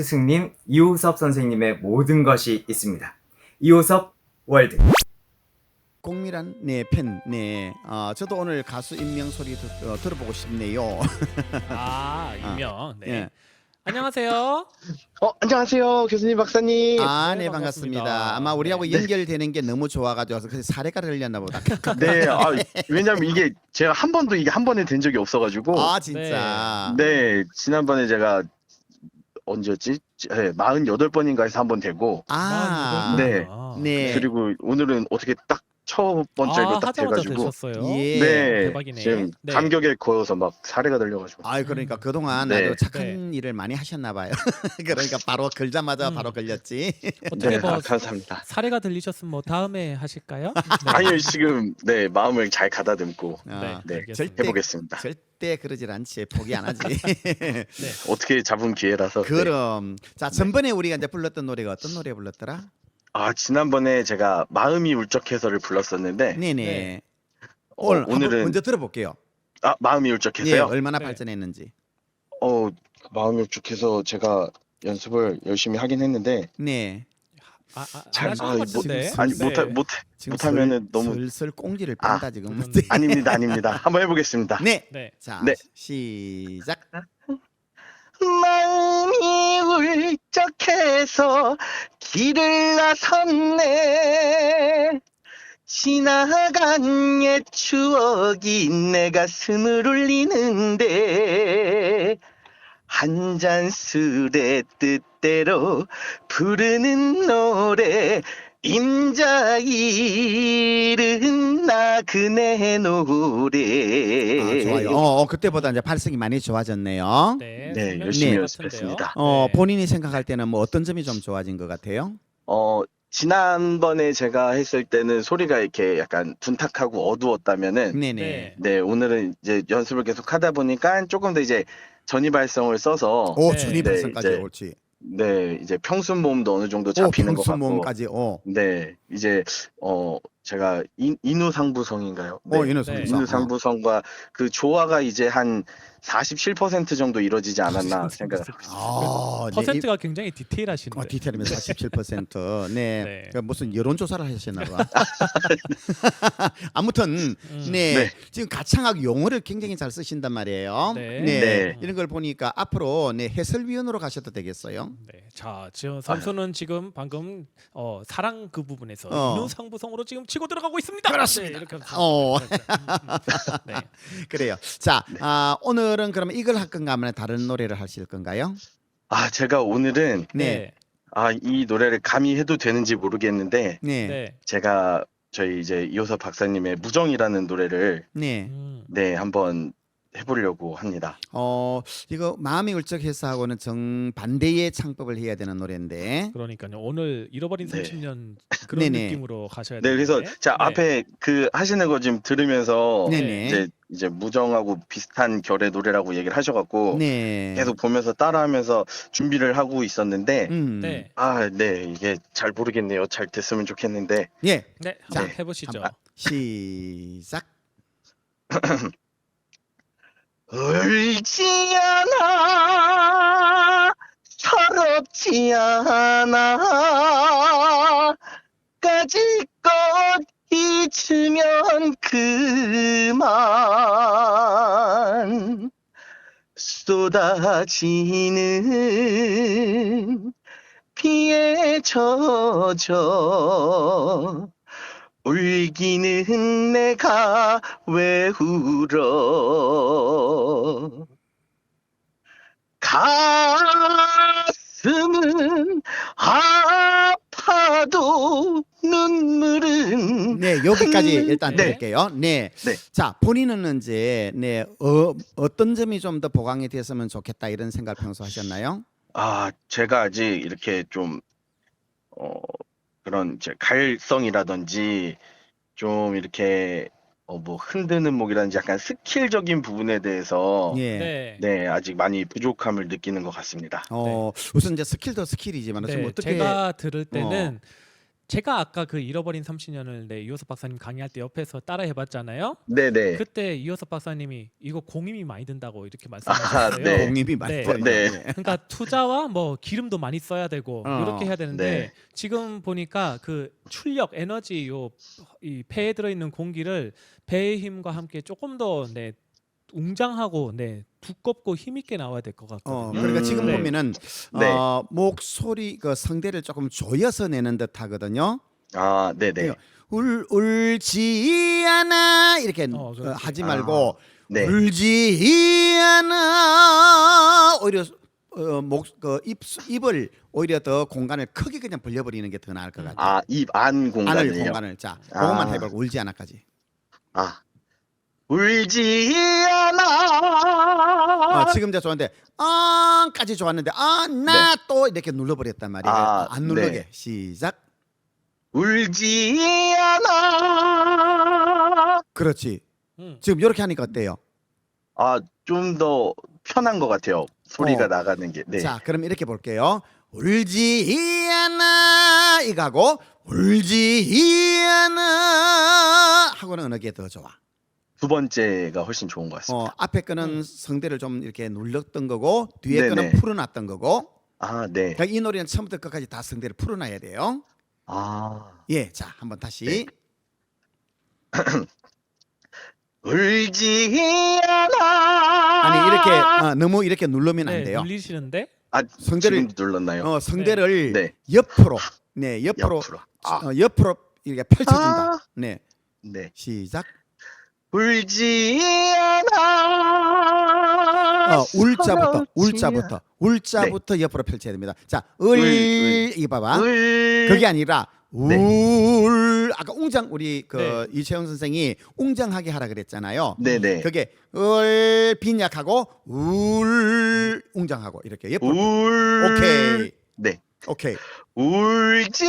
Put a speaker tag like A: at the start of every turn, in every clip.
A: 스승님 이호섭 선생님의 모든 것이 있습니다. 이호섭 월드.
B: 공밀한 팬. 저도 오늘 가수 임명 소리 들어보고 싶네요.
C: 아, 유명. 네.
B: 예.
C: 안녕하세요.
D: 안녕하세요, 교수님, 박사님.
B: 네,
C: 네,
B: 반갑습니다.
C: 반갑습니다.
B: 아마 우리하고
C: 네.
B: 연결되는 게 너무 좋아가지고 그래서 사례가 들렸나 보다.
D: 네, 왜냐면 이게 제가 한 번도 이게 한 번에 된 적이 없어가지고.
B: 진짜.
D: 네, 지난번에 제가 언제였지? 네, 48번인가 해서 한 번 되고. 네.
B: 네.
D: 그리고 오늘은 어떻게 딱 첫 번째로 딱
C: 하자마자
D: 돼가지고.
C: 되셨어요.
B: 예.
D: 네,
C: 대박이네.
D: 지금
C: 네.
D: 감격에 고여서 막 사례가 들려가지고.
B: 그러니까 그동안
D: 네.
B: 아주 착한 일을 많이 하셨나 봐요. 그러니까 바로 걸자마자 바로 걸렸지.
C: 어떻게
D: 네, 감사합니다.
C: 사례가 들리셨으면 뭐 다음에 하실까요? 네.
D: 아니요, 지금 네 마음을 잘 가다듬고
C: 네,
D: 네,
C: 알겠습니다.
D: 해보겠습니다.
B: 절대 그러질 않지. 포기 안 하지.
C: 네.
D: 어떻게 잡은 기회라서. 네.
B: 그럼 자, 전번에 우리가 이제 불렀던 노래가 어떤 노래 불렀더라?
D: 지난번에 제가 마음이 울적해서를 불렀었는데.
B: 네네.
C: 네.
B: 오늘은
D: 오늘은
B: 먼저 들어볼게요.
D: 마음이
B: 예,
D: 울적해서요.
B: 얼마나
C: 네.
B: 발전했는지.
D: 마음이 울적해서 제가 연습을 열심히 하긴 했는데
B: 네.
C: 안
D: 잘
C: 하신 것 같은데.
D: 아니
C: 네.
B: 지금
D: 못하면은 너무
B: 슬슬 꽁지를 뺀다 지금.
C: 그건-
D: 아닙니다. 한번 해보겠습니다.
B: 네.
C: 네.
B: 자,
D: 네.
B: 시작.
D: 마음이 울적해서 길을 나섰네. 지나간 옛 추억이 내 가슴을 울리는데 한 잔 술의 뜻대로 부르는 노래 임자일은 나그네 노래.
B: 좋아요. 그때보다 이제 발성이 많이 좋아졌네요.
C: 네.
D: 네,
C: 설명
D: 열심히
C: 같은데요.
D: 연습했습니다.
C: 네.
B: 본인이 생각할 때는 뭐 어떤 점이 좀 좋아진 것 같아요?
D: 지난번에 제가 했을 때는 소리가 이렇게 약간 둔탁하고 어두웠다면은
B: 네네.
D: 네, 오늘은 이제 연습을 계속 하다 보니까 조금 더 이제 전이발성을 써서
B: 오,
C: 네.
B: 전이발성까지
D: 네,
B: 옳지.
D: 네, 이제 평순 모음도 어느 정도
B: 오,
D: 잡히는 것
B: 평수
D: 같고.
B: 모음까지.
D: 네, 이제 제가 인우상부성인가요? 네,
B: 인우상부성.
D: 인우상부성과 그 조화가 이제 한 47% 정도 이루어지지 않았나 생각합니다.
C: 퍼센트가 굉장히 디테일하신데.
B: 디테일이면 47%. 네.
C: 네.
B: 그 무슨 여론조사를 하셨나 봐. 아무튼 네.
D: 네.
B: 지금 가창학 용어를 굉장히 잘 쓰신단 말이에요.
C: 네.
D: 네.
B: 이런 걸 보니까 앞으로 해설위원으로 가셔도 되겠어요.
C: 네. 자, 지금 선수는 지금 방금 사랑 그 부분에서 인우상부성으로 지금 치고 들어가고 있습니다.
B: 그렇습니다.
C: 네, 이렇게 하면서.
B: 어.
C: 네.
B: 그래요. 자, 오늘은 그러면 이걸 할 건가 하면 다른 노래를 하실 건가요?
D: 제가 오늘은
B: 네.
D: 이 노래를 감히 해도 되는지 모르겠는데
B: 네.
C: 네.
D: 제가 저희 이제 이호섭 박사님의 무정이라는 노래를
B: 네.
D: 네, 한번 해보려고 합니다.
B: 이거 마음이 울적해서 하고는 정반대의 창법을 해야 되는 노래인데.
C: 그러니까요. 오늘 잃어버린
D: 네.
C: 30년 그런
B: 네네.
C: 느낌으로 가셔야
D: 네,
C: 되는데.
D: 그래서 자
C: 네.
D: 앞에 그 하시는 거 지금 들으면서
B: 네네.
D: 이제 무정하고 비슷한 결의 노래라고 얘기를 하셔갖고
B: 네.
D: 계속 보면서 따라하면서 준비를 하고 있었는데
C: 네.
D: 네, 이게 잘 모르겠네요. 잘 됐으면 좋겠는데.
B: 예.
C: 네.
B: 자,
C: 한번 해보시죠.
B: 시작.
D: 울지 않아, 서럽지 않아, 까짓것 잊으면 그만. 쏟아지는 비에 젖어 울기는 내가 왜 울어. 가슴은 아파도 눈물은
B: 네, 여기까지 일단
C: 네.
B: 드릴게요. 네.
D: 네.
B: 자, 본인은 이제 어떤 점이 좀 더 보강이 됐으면 좋겠다 이런 생각 평소 하셨나요?
D: 제가 아직 이렇게 좀 그런 이제 가일성이라든지 좀 이렇게 뭐 흔드는 목이라든지 약간 스킬적인 부분에 대해서
B: 예.
C: 네.
D: 네, 아직 많이 부족함을 느끼는 것 같습니다.
B: 우선 이제 스킬도 스킬이지만 좀
C: 네.
B: 어떻게
C: 제가 들을 때는 제가 아까 그 잃어버린 30년을 이호섭 박사님 강의할 때 옆에서 따라 해봤잖아요.
D: 네네.
C: 그때 이호섭 박사님이 이거 공임이 많이 든다고 이렇게
D: 아,
C: 말씀하셨어요.
D: 네.
B: 공임이 많이
C: 네.
B: 들어요.
D: 네.
C: 그러니까 투자와 뭐 기름도 많이 써야 되고 이렇게 해야 되는데
D: 네.
C: 지금 보니까 그 출력 에너지 이 폐에 들어있는 공기를 배의 힘과 함께 조금 더 웅장하고 두껍고 힘있게 나와야 될 것 같거든요.
B: 그러니까 지금
C: 네.
B: 보면은
D: 네.
B: 목소리 그 성대를 조금 조여서 내는 듯 하거든요.
D: 아, 네네.
B: 울지 않아 이렇게
C: 그렇지.
B: 하지 말고
D: 네.
B: 울지 않아 오히려 입을 오히려 더 공간을 크게 그냥 벌려버리는 게 더 나을 것 같아요.
D: 아, 입 안
B: 안을
D: 공간을요.
B: 공간을 자 그것만
D: 아.
B: 해보고 울지 않아까지.
D: 아, 울지 않아.
B: 지금 이제 좋았는데 아까지 좋았는데 나 또 이렇게 눌러버렸단 말이에요.
D: 아,
B: 안 누르게
D: 네.
B: 시작.
D: 울지 않아.
B: 그렇지.
C: 음.
B: 지금 이렇게 하니까 어때요?
D: 아, 좀 더 편한 것 같아요. 소리가 나가는 게. 네.
B: 자, 그럼 이렇게 볼게요. 울지 않아 이거하고 울지 않아 하고는 어느 게 더 좋아?
D: 두 번째가 훨씬 좋은 것 같습니다.
B: 앞에 거는 성대를 좀 이렇게 눌렀던 거고 뒤에
D: 네네.
B: 거는 풀어놨던 거고.
D: 아, 네.
B: 그러니까 이 노래는 처음부터 끝까지 다 성대를 풀어놔야 돼요.
D: 아,
B: 예, 자, 한번 다시.
D: 네. 울지 않아.
B: 아니 이렇게 너무 이렇게 누르면 안 돼요.
C: 눌리시는데
D: 아,
B: 성대를
D: 지금 눌렀나요?
B: 성대를
D: 네.
B: 옆으로, 옆으로,
D: 옆으로. 아,
B: 옆으로 이렇게 펼쳐준다.
D: 아.
B: 네,
D: 네.
B: 시작.
D: 울지 않아.
B: 울자부터 옆으로 펼쳐야 됩니다. 자,
D: 울.
B: 이거 봐봐.
D: 울.
B: 그게 아니라 울. 아까 웅장 우리
C: 네.
B: 이채영 선생이 웅장하게 하라 그랬잖아요.
D: 네네.
B: 그게 빈약하고 웅장하고 이렇게 옆으로.
D: 울.
B: 오케이.
D: 네.
B: 오케이.
D: 울지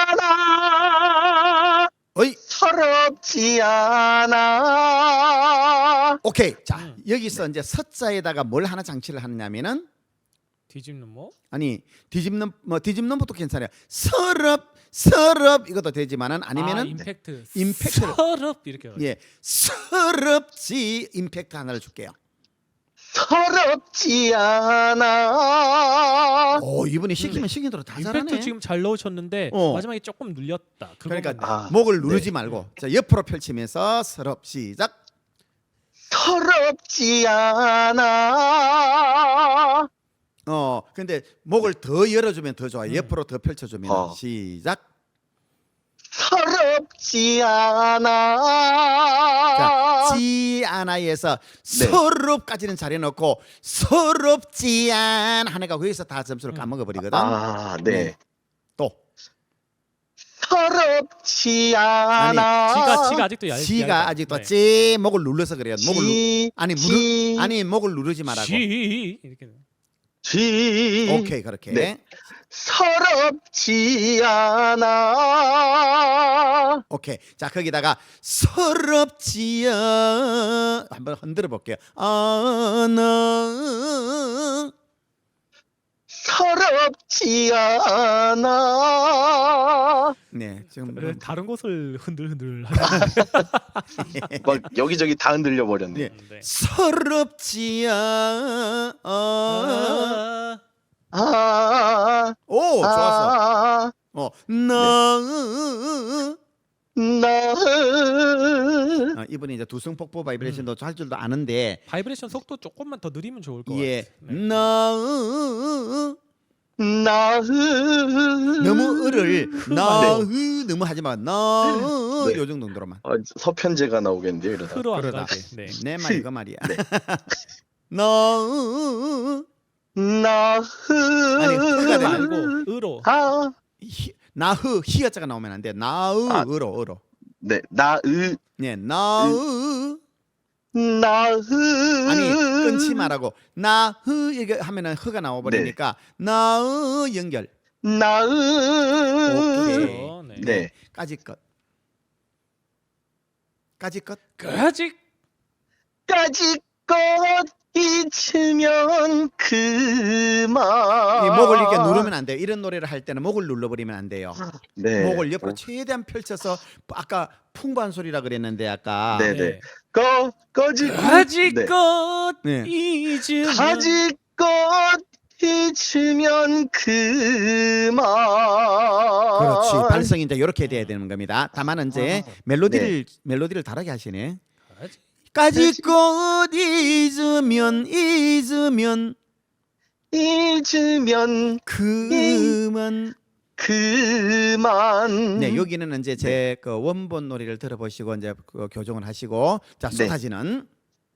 D: 않아.
B: 어이.
D: 서럽지 않아.
B: 오케이. 자, 여기서 이제 서자에다가 뭘 하나 장치를 하느냐면은
C: 뒤집는 뭐?
B: 아니 뒤집는 것도 괜찮아요. 서럽 이것도 되지만은 아니면은
C: 임팩트를
B: 임팩트를
C: 이렇게
B: 예 서럽지 임팩트 하나를 줄게요.
D: 서럽지 않아.
B: 오 이분이 시키면 시킨 대로 다
C: 임팩트
B: 잘하네.
C: 지금 잘 넣으셨는데 마지막에 조금 눌렸다.
B: 그러니까
C: 그것만
B: 목을 누르지
D: 네.
B: 말고 자 옆으로 펼치면서 서럽 시작.
D: 서럽지 않아.
B: 근데 목을 더 열어주면 더 좋아. 옆으로 더 펼쳐주면 시작.
D: 서럽지 않아.
B: 자, 지 않아에서 서럽까지는 잘 해놓고 서럽지 않 하니까 거기서 다 점수를 까먹어 버리거든.
D: 아, 네.
B: 또
D: 서럽지 않아.
C: 지가 아직도
B: 지가 아직도
C: 네.
B: 지 목을 눌러서 그래요.
D: 지,
B: 목을 누르지 말라고.
C: 이렇게
D: 지.
B: 오케이 그렇게.
D: 네. 서럽지 않아.
B: 오케이. 자 거기다가 서럽지 한번 흔들어 볼게요. 나
D: 서럽지 않아.
B: 네 지금
C: 다른 곳을 흔들흔들
D: 막 여기저기 다 흔들려 버렸네.
B: 네. 서럽지 오 좋았어. 이분이 이제 두성폭포 바이브레이션도 할 줄도 아는데
C: 바이브레이션 속도 조금만 더 느리면 좋을 것
B: 예
C: 같아요.
B: 너무 을을 너무 하지 마. 요 정도로만.
D: 서편제가 나오겠는데요, 이러다.
C: 흐로 안
B: 그러다.
C: 가게. 네.
B: 내 말이 그 말이야. 아니 흐가
C: 말고
B: 되고
C: 으로.
B: 나흐 히어자가 나오면 안 돼. 으로.
D: 네,
B: 네, 아니
D: 아니
B: 끊지 말라고 이거 하면은 흐가 나와 버리니까 연결. 오케이.
C: 그렇죠. 네.
D: 네.
B: 까지 것.
C: 까지
D: 까짓 것 잊으면 그만.
B: 이 목을 이렇게 누르면 안 돼요. 이런 노래를 할 때는 목을 눌러버리면 안 돼요.
D: 네.
B: 목을 옆으로 최대한 펼쳐서 아까 풍부한 소리라 그랬는데 아까
D: 네.
C: 가지껏
B: 네.
C: 잊으면
D: 가지껏 잊으면 그만.
B: 그렇지. 발성이 이제 이렇게 돼야 되는 겁니다. 다만 이제 멜로디를 다르게 하시네. 가지껏 잊으면 그만. 네, 여기는 이제 제 그 원본 노래를 들어보시고 이제 그 교정을 하시고 자, 쏟아지는.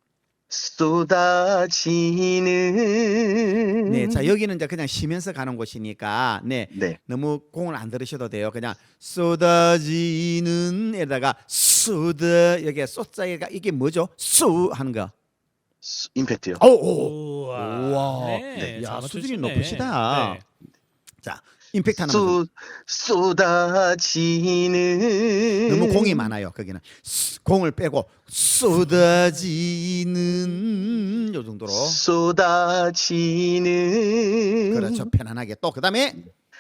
D: 쏟아지는.
B: 네, 자 여기는 이제 그냥 쉬면서 가는 곳이니까
D: 네.
B: 너무 공을 안 들으셔도 돼요. 그냥 쏟아지는 에다가 쏟아 여기에 쏟자가 이게 뭐죠? 수 하는 거.
D: 임팩트요.
B: 오.
C: 우와.
B: 네. 야,
C: 잘
B: 수준이
C: 맞추시네.
B: 높으시다.
C: 네.
B: 자, 임팩트 하나만.
D: 쏟아지는.
B: 너무 공이 많아요. 거기는 공을 빼고 쏟아지는 요 정도로.
D: 쏟아지는.
B: 그렇죠. 편안하게. 또 그다음에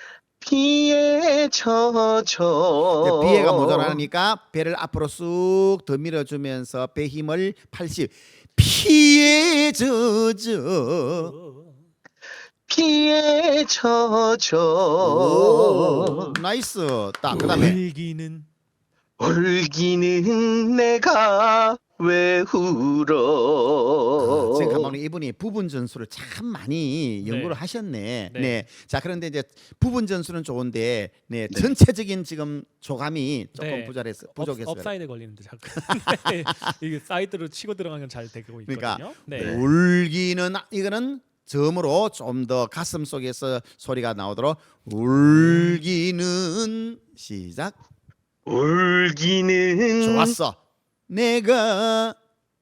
D: 비에 젖어.
B: 배가 모자라니까 배를 앞으로 쑥 더 밀어주면서 배 힘을 80. 피에 젖어.
D: 피에 젖어.
B: 오, 나이스. 딱 그다음에
C: 올기는
D: 내가 왜 울어.
B: 지금 가만히 이분이 부분 전수를 참 많이 연구를 하셨네. 네. 자, 그런데 이제 부분 전수는 좋은데 전체적인 지금 조감이 조금 부족했어요.
C: 업사이드 걸리는데 자꾸 네. 이게 사이드로 치고 들어가면 잘 되고 있거든요.
B: 그러니까
C: 네.
B: 울기는 이거는 점으로 좀 더 가슴 속에서 소리가 나오도록 울기는 시작.
D: 울기는.
B: 좋았어. 내가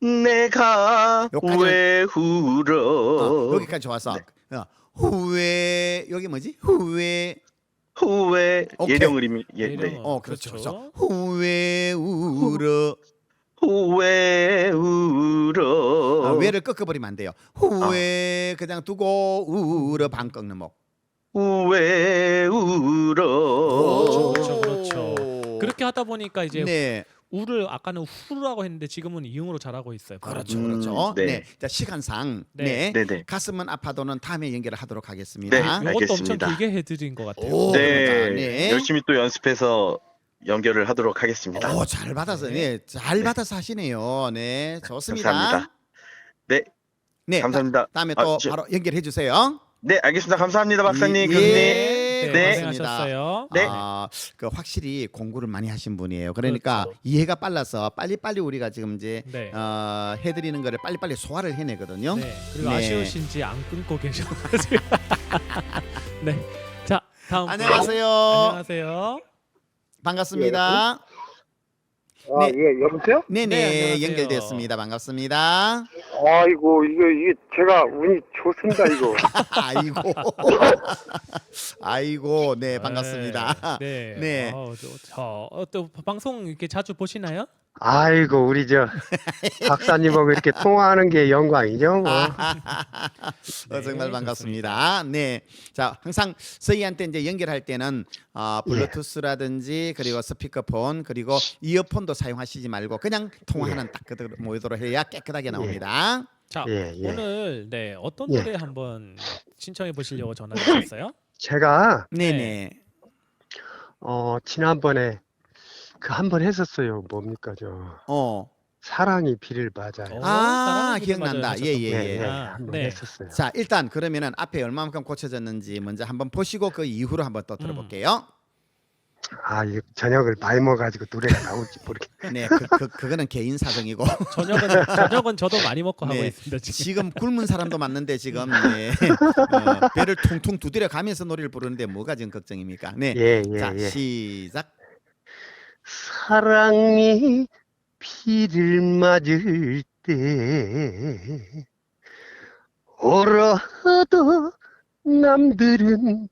D: 여기까지. 왜 울어.
B: 여기까지 좋았어. 후회 여기 뭐지? 후회 오케이.
D: 예령 의미. 네.
B: 그렇죠. 그렇죠. 후회 울어.
D: 후회 울어.
B: 왜를 꺾어버리면 안 돼요. 후회 그냥 두고 울어 반 꺾는 목.
D: 후회 울어.
C: 그렇죠. 그렇게 하다 보니까 이제 우를 아까는 후라고 했는데 지금은 이응으로 잘하고 있어요.
B: 그렇죠.
D: 네.
B: 자, 시간상
D: 네.
B: 가슴은 아파도는 다음에 연결을 하도록 하겠습니다.
D: 네.
C: 이것도 엄청
D: 알겠습니다.
C: 길게 해드린 것 같아요.
B: 오,
D: 네.
B: 네.
D: 열심히 또 연습해서 연결을 하도록 하겠습니다.
B: 잘 받아서 잘 받아서 하시네요. 네, 좋습니다.
D: 감사합니다. 네. 감사합니다.
B: 다음에 또 바로 연결해 주세요.
D: 네, 알겠습니다. 감사합니다, 박사님, 교수님.
C: 네,
D: 네.
C: 고생하셨어요.
D: 네.
B: 그 확실히 공부를 많이 하신 분이에요. 그러니까 이해가 빨라서 빨리빨리 우리가 지금 이제 해드리는 거를 빨리빨리 소화를 해내거든요.
C: 네. 그리고 아쉬우신지 안 끊고 계셔가지고. 네. 자, 다음.
B: 안녕하세요.
C: 안녕하세요.
B: 반갑습니다.
E: 예, 여보세요?
B: 네네,
C: 네, 안녕하세요.
B: 연결됐습니다. 반갑습니다.
E: 아이고, 이게 제가 운이 좋습니다, 이거.
B: 아이고, 네, 반갑습니다.
C: 네.
B: 네.
C: 또 방송 이렇게 자주 보시나요?
E: 아이고, 우리 박사님하고 이렇게 통화하는 게 영광이죠, 뭐.
B: 정말 반갑습니다. 네, 자 항상 저희한테 이제 연결할 때는 블루투스라든지 그리고 스피커폰 그리고 이어폰도 사용하시지 말고 그냥 통화하는 딱 그대로 모이도록 해야 깨끗하게 나옵니다.
C: 자,
E: 예.
C: 오늘 어떤 노래 한번 신청해 보시려고 전화 주셨어요?
E: 제가,
B: 네네.
E: 지난번에 한 번 했었어요. 뭡니까, 사랑이 비를 맞아요.
C: 사랑이
B: 기억난다.
C: 맞아요.
B: 예.
E: 한번 했었어요.
B: 자, 일단 그러면은 앞에 얼마만큼 고쳐졌는지 먼저 한번 보시고 그 이후로 한번 또 들어볼게요.
E: 이 저녁을 많이 먹어가지고 노래가 나올지 모르겠네.
B: 네, 그거는 개인 사정이고.
C: 저녁은 저도 많이 먹고 하고 있습니다.
B: 지금 굶은 사람도 맞는데 지금 배를 퉁퉁 두드려 가면서 노래를 부르는데 뭐가 지금 걱정입니까? 네. 자, 시작.
E: 사랑이 비를 맞을 때 울어도 남들은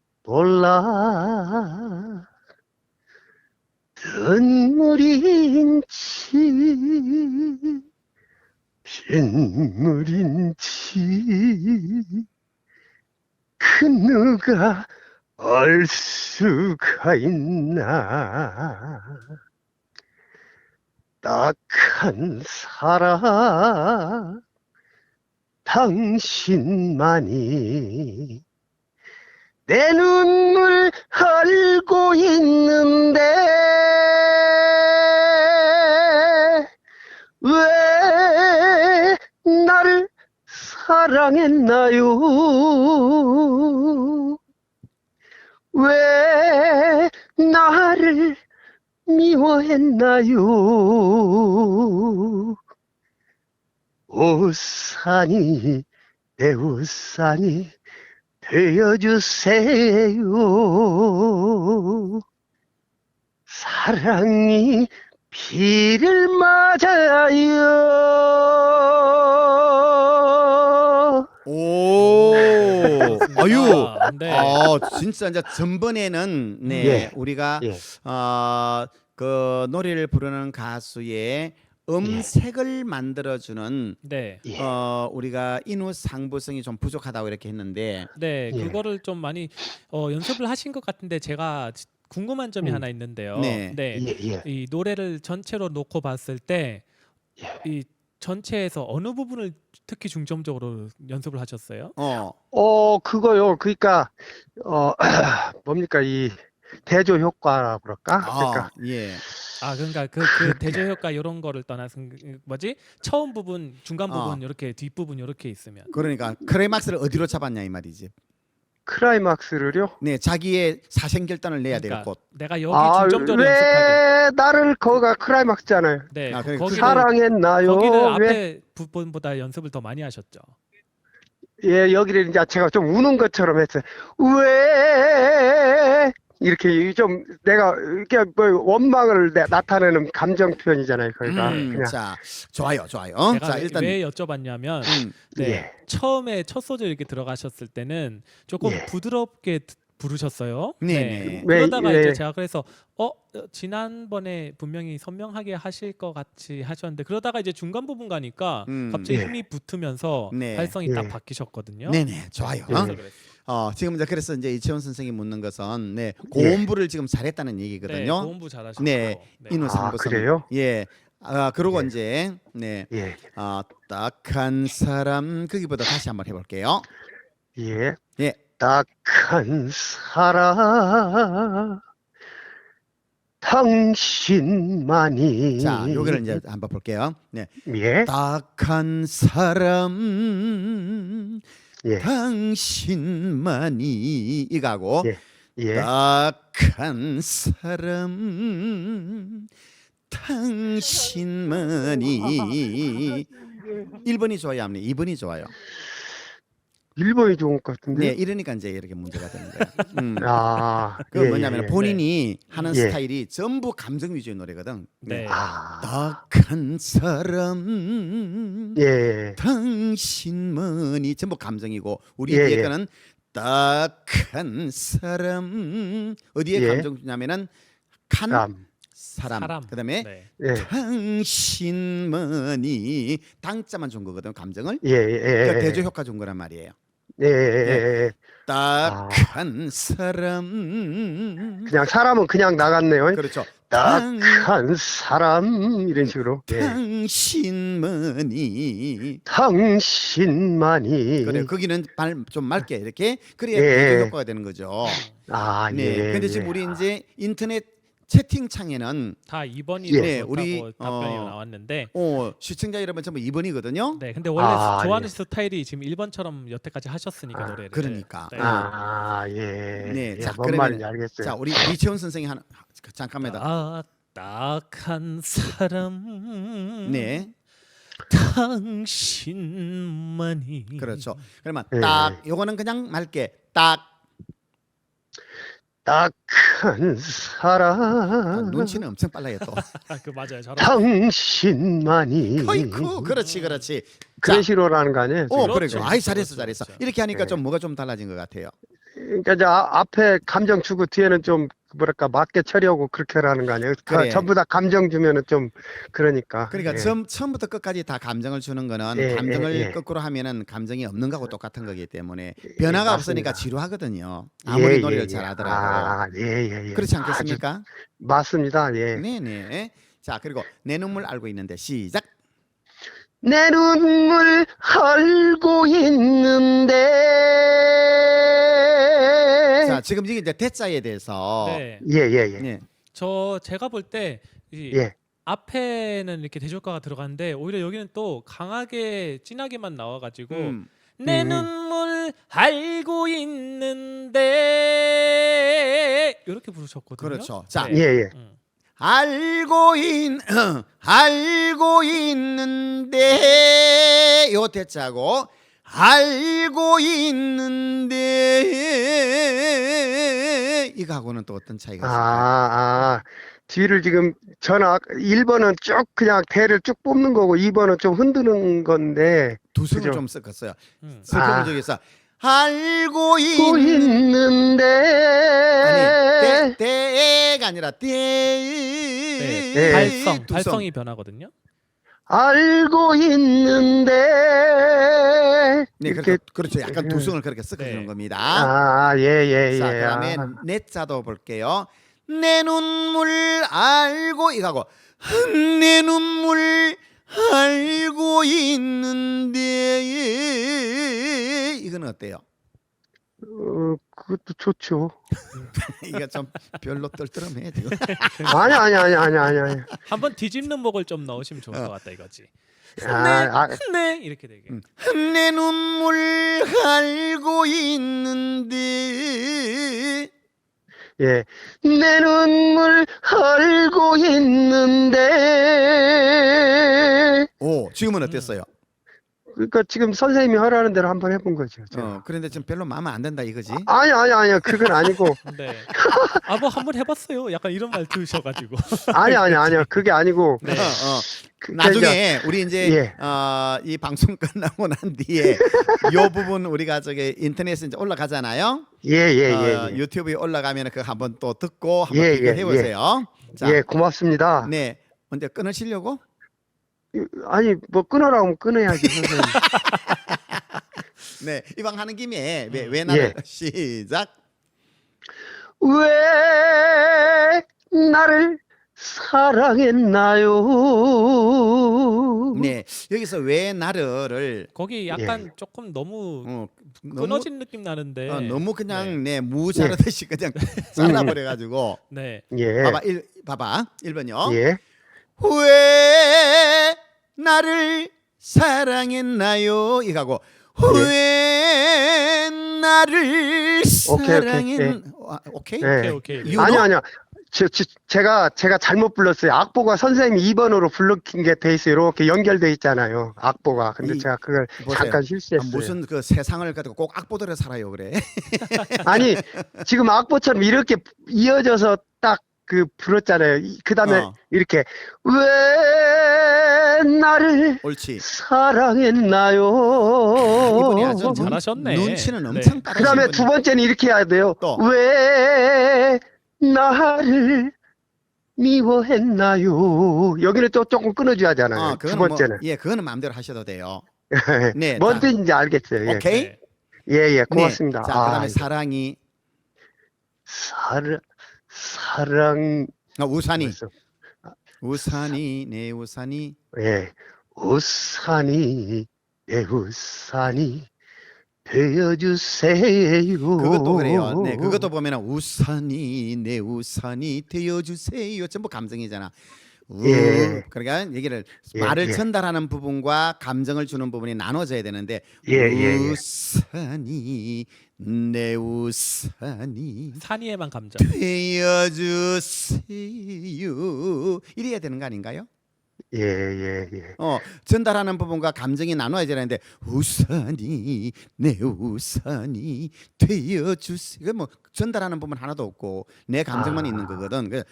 E: 몰라 눈물인지 빗물인지 그 누가 알 수가 있나. 딱한 사람 당신만이 내 눈물 알고 있는데 왜 나를 사랑했나요? 왜 나를 미워했나요? 우산이 내 우산이 되어주세요. 사랑이 비를 맞아요.
B: 오, 아유,
C: 네.
B: 진짜 이제 전번에는 네
E: 예.
B: 우리가
E: 예.
B: 그 노래를 부르는 가수의 음색을 만들어주는
C: 네.
E: 예.
B: 우리가 인후 상부성이 좀 부족하다고 이렇게 했는데
C: 네,
E: 예.
C: 그거를 좀 많이 연습을 하신 것 같은데 제가 궁금한 점이 하나 있는데요.
B: 네.
C: 네.
E: 예, 예.
C: 이 노래를 전체로 놓고 봤을 때 이 전체에서 어느 부분을 특히 중점적으로 연습을 하셨어요?
E: 그거요. 그러니까 뭡니까 이 대조 효과라 그럴까? 그러니까
B: 예.
C: 그러니까 그 대조 효과 이런 거를 떠나서 뭐지? 처음 부분, 중간 부분 이렇게 뒷부분 이렇게 있으면.
B: 그러니까 클라이막스를 어디로 잡았냐 이 말이지.
E: 클라이막스를요.
B: 네, 자기의 사생결단을 내야 될
C: 그러니까
B: 곳.
C: 내가 여기 중점적으로 연습하게.
E: 왜 나를 거가 클라이막스잖아요.
C: 네,
B: 그러니까
C: 거기를
E: 사랑했나요?
C: 거기를
E: 왜?
C: 앞에 부분보다 연습을 더 많이 하셨죠.
E: 예, 여기를 이제 제가 좀 우는 것처럼 했어요. 왜? 이렇게 좀 내가 이렇게 뭐 원망을 나타내는 감정 표현이잖아요. 그러니까 그냥
B: 자, 좋아요.
C: 제가
B: 자, 일단
C: 왜 여쭤봤냐면 네,
E: 예.
C: 처음에 첫 소절 이렇게 들어가셨을 때는 조금
E: 예.
C: 부드럽게 부르셨어요.
B: 네.
C: 그러다가
E: 왜,
C: 이제
E: 예.
C: 제가 그래서 지난번에 분명히 선명하게 하실 것 같이 하셨는데 그러다가 이제 중간 부분 가니까 갑자기
E: 예.
C: 힘이 붙으면서
B: 네.
C: 발성이
E: 예.
C: 딱 바뀌셨거든요.
B: 네네, 좋아요.
C: 그래서 그랬어요.
B: 지금 이제 그래서 이제 이채원 선생이 묻는 것은 네, 고음부를 지금 잘했다는
C: 네,
B: 얘기거든요.
C: 고음부 잘하시고.
B: 네, 인후 상부성.
E: 그래요?
B: 예. 그러고
E: 예.
B: 이제 네.
E: 예.
B: 딱한 사람 거기보다 다시 한번 해볼게요.
E: 예.
B: 예.
E: 딱한 사람 당신만이.
B: 자, 요거를 이제 한번 볼게요. 네.
E: 예.
B: 딱한 사람
E: 예.
B: 당신만이 이거하고
E: 예. 예.
B: 딱한 사람 당신만이 1번이 좋아요, 아니면 2번이 좋아요?
E: 1번이 좋은 것 같은데.
B: 네, 이러니까 이제 이렇게 문제가 되는 거예요.
E: 그
B: 그 뭐냐면 본인이 하는
E: 예.
B: 스타일이 전부 감정 위주의 노래거든.
C: 네.
B: 딱한 사람
E: 예.
B: 당신만이 전부 감정이고 우리
E: 예,
B: 뒤에
E: 예.
B: 거는 딱한 사람 어디에
E: 예.
B: 감정 주냐면은 칸 사람. 그다음에
C: 네.
E: 예.
B: 당신만이 당자만 준 거거든 감정을.
E: 예. 예.
B: 그러니까 대조 효과 준 거란 말이에요.
E: 예. 예.
B: 딱한 사람.
E: 그냥 사람은 그냥 나갔네요.
B: 그렇죠.
E: 딱한 사람 이런 식으로. 예. 당신만이.
B: 그래 거기는 좀 맑게 이렇게 그래야
E: 예.
B: 대조 효과가 되는 거죠. 네.
E: 예.
B: 근데 지금 우리 이제 인터넷 채팅창에는
C: 다 2번이
B: 네,
C: 우리
B: 우리,
C: 답변이 나왔는데
B: 시청자 여러분 전부 2번이거든요.
C: 네, 근데 원래
E: 아,
C: 좋아하는
E: 예.
C: 스타일이 지금 1번처럼 여태까지 하셨으니까 노래를.
B: 그러니까.
C: 네.
E: 예.
B: 네,
E: 예,
B: 자,
E: 뭔
B: 그러면-
E: 말인지 알겠어요.
B: 자, 우리 이채원 선생이 잠깐만요.
C: 딱한 사람
B: 네,
C: 당신만이.
B: 그렇죠. 그러면
E: 예.
B: 딱 요거는 그냥 맑게
E: 딱한 사람
B: 눈치는 엄청 빨라요 또.
C: 그 맞아요. 잘하셨어요.
E: 당신만이.
B: 어이쿠, 그렇지.
E: 그런 식으로라는 거 아니에요? 지금?
B: 그래.
C: 그렇죠.
B: 아이
C: 그렇죠.
B: 잘했어.
C: 그렇죠.
B: 이렇게 하니까
E: 네.
B: 좀 뭐가 좀 달라진 것 같아요.
E: 그러니까 이제 앞에 감정 주고 뒤에는 좀 뭐랄까 맞게 처리하고 그렇게 하는 거 아니에요?
B: 그래.
E: 전부 다 감정 주면은 좀 그러니까.
B: 그러니까
E: 예.
B: 처음부터 끝까지 다 감정을 주는 거는
E: 예,
B: 감정을
E: 예, 예.
B: 거꾸로 하면은 감정이 없는 거하고 똑같은 거기 때문에 변화가 없으니까
E: 맞습니다.
B: 지루하거든요. 아무리
E: 예,
B: 노래를
E: 예, 예.
B: 잘하더라도.
E: 아, 예, 예, 예.
B: 그렇지
E: 아주
B: 않겠습니까?
E: 맞습니다. 예.
B: 네네. 자, 그리고 내 눈물 알고 있는데 시작.
E: 내 눈물 알고 있는데.
B: 자, 지금 이게 이제 대자에 대해서
C: 네.
E: 예, 예, 예.
B: 네.
C: 제가 볼 때
E: 예.
C: 앞에는 이렇게 대조가가 들어갔는데 오히려 여기는 또 강하게 진하게만 나와가지고
B: 음.
C: 내 눈물 알고 있는데 이렇게 부르셨거든요.
B: 그렇죠. 자,
C: 네.
E: 예, 예.
B: 알고 있는데 요 대자고 알고 있는데 이거하고는 또 어떤 차이가 있을까요?
E: 뒤를 지금 1번은 쭉 그냥 대를 쭉 뽑는 거고 2번은 좀 흔드는 건데
B: 두 승을
E: 그죠?
B: 좀 섞었어요.
C: 음.
B: 섞어본 적이 있어. 알고
E: 고
B: 있는
E: 있는데
B: 아니 때가 아니라 때
C: 네.
E: 예.
C: 발성이 변하거든요.
E: 알고 있는데
B: 네,
E: 이렇게
B: 그렇죠. 약간 두 승을 그렇게 섞어주는
C: 네.
B: 겁니다.
E: 예.
B: 자, 그다음에 내 자도 볼게요. 내 눈물 알고 이거하고 내 눈물 알고 있는데 이거는 어때요?
E: 그것도 좋죠.
B: 이거 좀 별로 떨떠름해 지금.
E: 아니.
C: 한번 뒤집는 목을 좀 넣으시면 좋을 것 같다 이거지.
E: 아,
C: 네 이렇게 되게.
B: 내 눈물 알고 있는데
E: 예. 내 눈물 알고 있는데
B: 오 지금은 어땠어요?
E: 그러니까 지금 선생님이 하라는 대로 한번 해본 거죠. 제가.
B: 그런데 지금 별로 마음에 안 든다 이거지?
E: 아니요. 그건 아니고.
C: 네. 뭐 한번 해봤어요. 약간 이런 말 들으셔가지고.
E: 아니요. 그게 아니고.
C: 네.
B: 나중에 우리 이제
E: 예.
B: 이 방송 끝나고 난 뒤에 요 부분 우리가 저기 인터넷에 이제 올라가잖아요.
E: 예.
B: 유튜브에 올라가면 그거 한번 또 듣고 한번
E: 예,
B: 비교해
E: 예,
B: 보세요. 자,
E: 예, 고맙습니다.
B: 네. 언제 끊으시려고?
E: 아니, 뭐 끊으라고 하면 끊어야지, 선생님.
B: 네, 이방 하는 김에 왜 나를
E: 예.
B: 시작.
E: 왜 나를 사랑했나요?
B: 네, 여기서 왜 나를
C: 거기 약간 조금 너무
B: 너무
C: 끊어진 느낌 나는데.
B: 너무 그냥 무 자르듯이 그냥 잘라버려 가지고
C: 네.
E: 예.
B: 봐봐 1번요.
E: 예.
B: 왜 나를 사랑했나요? 이거고 왜 나를 사랑했 오케이?
E: 예.
C: 오케이.
B: You know?
E: 아니요. 제가 잘못 불렀어요. 악보가 선생님이 2번으로 불러킨 게 돼 있어요. 이렇게 연결돼 있잖아요. 악보가. 근데 제가 그걸
B: 보세요.
E: 잠깐 실수했어요.
B: 무슨 그 세상을 가지고 꼭 악보들에 살아요 그래.
E: 아니, 지금 악보처럼 이렇게 이어져서 딱 그 불렀잖아요. 그 다음에 이렇게 왜 나를
B: 옳지.
E: 사랑했나요?
B: 이분이 아주
C: 잘하셨네.
B: 눈치는
C: 네.
B: 엄청 빠르신
E: 그 다음에
B: 분이-
E: 두 번째는 이렇게 해야 돼요.
B: 또.
E: 왜 나를 미워했나요? 여기는 또 조금 끊어줘야 하잖아요. 두
B: 그거는
E: 번째는.
B: 그거는 마음대로 하셔도 돼요. 네.
E: 뭔 뜻인지 알겠어요. 예.
B: 오케이.
C: 네.
E: 예, 고맙습니다.
B: 네. 자, 그다음에 사랑이
E: 사랑,
B: 우산이
E: 벌써.
B: 우산이 내 우산이
E: 예, 우산이, 내 우산이 되어주세요.
B: 그것도 그래요. 네, 그것도 보면은 우산이 내 우산이 되어주세요. 전부 감정이잖아.
E: 예.
B: 그러니까 얘기를
E: 예,
B: 말을
E: 예.
B: 전달하는 부분과 감정을 주는 부분이 나눠져야 되는데
E: 예.
B: 우산이 내 우산이
C: 산이에만 감정.
B: 되어주세요. 이래야 되는 거 아닌가요?
E: 예.
B: 전달하는 부분과 감정이 나눠야 되는데 우산이 내 우산이 되어주세요. 뭐 전달하는 부분 하나도 없고 내 감정만 있는 거거든.
E: 예.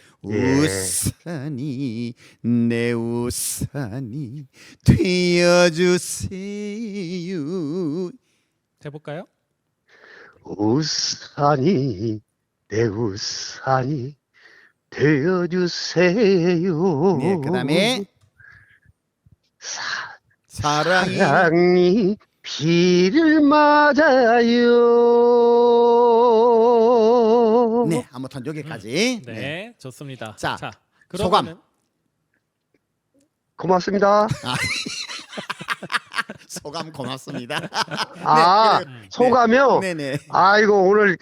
B: 우산이 내 우산이 되어주세요.
C: 해볼까요?
E: 우산이 내 우산이 되어주세요.
B: 네, 그다음에 사랑이
E: 사랑이 비를 맞아요.
B: 네, 아무튼 여기까지.
C: 네, 좋습니다.
B: 자,
C: 그러면은
B: 소감.
E: 고맙습니다.
B: 소감 고맙습니다.
E: 아,
B: 그래.
E: 소감이요?
B: 네네.
E: 아이고, 오늘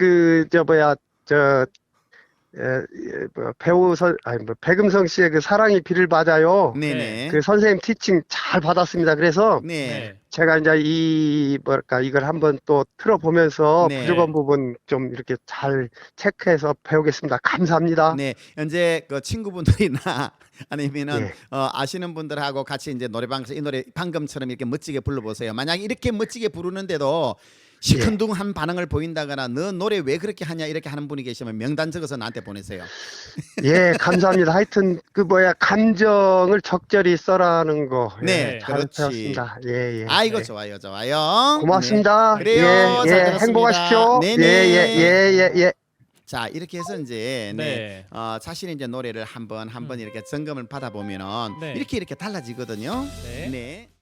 E: 백음성 씨의 그 사랑이 비를 맞아요.
B: 네네.
E: 그 선생님 티칭 잘 받았습니다. 그래서
B: 네.
E: 제가 이제 이걸 한번 또 틀어보면서
B: 네.
E: 부족한 부분 좀 이렇게 잘 체크해서 배우겠습니다. 감사합니다.
B: 네, 현재 그 친구분들이나 아니면은
E: 네.
B: 아시는 분들하고 같이 이제 노래방에서 이 노래 방금처럼 이렇게 멋지게 불러보세요. 만약 이렇게 멋지게 부르는데도 시큰둥한 반응을 보인다거나 너 노래 왜 그렇게 하냐 이렇게 하는 분이 계시면 명단 적어서 나한테 보내세요.
E: 예, 감사합니다. 하여튼 감정을 적절히 써라는 거.
B: 네,
E: 잘
B: 그렇지.
E: 배웠습니다. 예, 예.
B: 아이고
C: 네.
B: 좋아요, 좋아요.
E: 고맙습니다.
B: 네. 그래요.
E: 예,
B: 잘
E: 예,
B: 들었습니다.
E: 행복하십시오.
B: 네네.
E: 예.
B: 자 이렇게 해서 이제
C: 네.
B: 자신의 이제 노래를 한번 이렇게 점검을 받아보면은
C: 네.
B: 이렇게 달라지거든요.
C: 네.
B: 네.